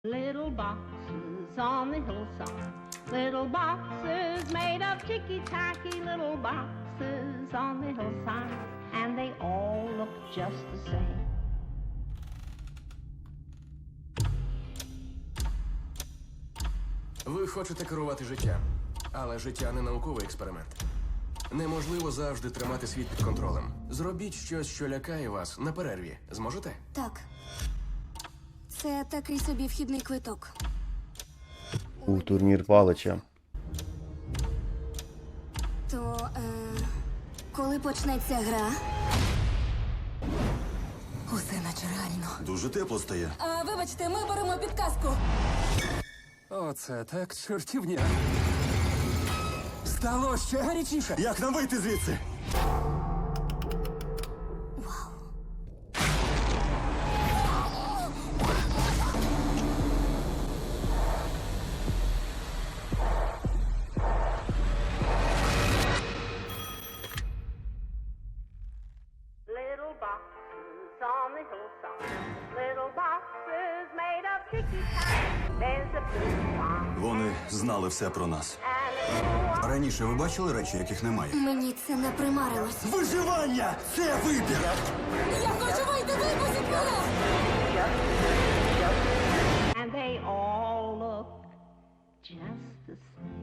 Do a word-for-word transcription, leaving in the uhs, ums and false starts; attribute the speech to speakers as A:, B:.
A: Little boxes on the hillside, little boxes made of ticky-tacky, little boxes on the hillside, and they all look just the same.
B: Ви хочете керувати життям, але життя не науковий експеримент. Неможливо завжди тримати світ під контролем. Зробіть щось, що лякає вас на перерві. Зможете?
C: Так. Це такий собі вхідний квиток.
D: Був турнір Палича.
C: То, е, коли почнеться гра? Усе наче реально.
E: Дуже тепло стає.
C: А, вибачте, ми беремо підказку.
F: Оце так чортівня. Стало ще гарячіше.
E: Як нам вийти звідси?
A: Little boxes on the hillside, little boxes made of ticky-tacky, there's a blue one
E: Вони знали все про нас.
A: and a blue one.
E: Раніше ви бачили речі, яких немає?
C: Мені це не примарилось.
E: Виживання! Це вибір!
C: Я хочу вийти, випустіть мене!
A: And they all look just the same.